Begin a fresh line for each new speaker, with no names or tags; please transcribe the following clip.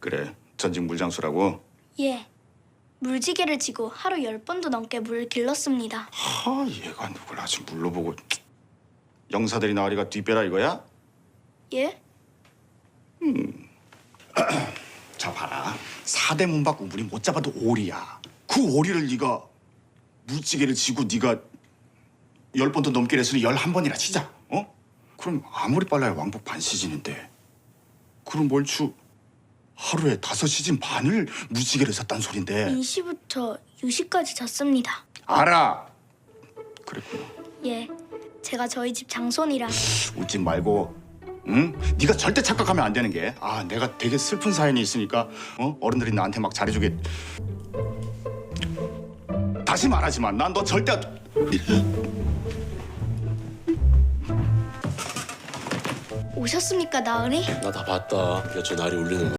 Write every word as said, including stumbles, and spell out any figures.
그래, 전직 물장수라고?
예. 물지개를 지고 하루 열 번도 넘게 물을 길렀습니다.
하, 얘가 누굴 아주 물러보고. 영사들이 나으리가 뒷배라 이거야?
예?
자 봐라, 사대 문 밖 우물이 못 잡아도 오리야. 그 오리를 네가 물지개를 지고 네가 열 번도 넘게 했으니 열한 번이나 치자. 어? 그럼 아무리 빨라야 왕복 반 시즌인데. 그럼 멀추 하루에 다섯 시즌 반을 물지개를 샀단 소린데.
인시부터 유시까지 잤습니다.
알아. 그랬구나.
예. 제가 저희 집 장손이라.
웃지 말고, 응? 네가 절대 착각하면 안 되는 게, 아, 내가 되게 슬픈 사연이 있으니까, 어? 어른들이 나한테 막 잘해주게. 다시 말하지만 난 너 절대.
오셨습니까, 나으리?
나 다 봤다. 야, 저 날이 울리는 거.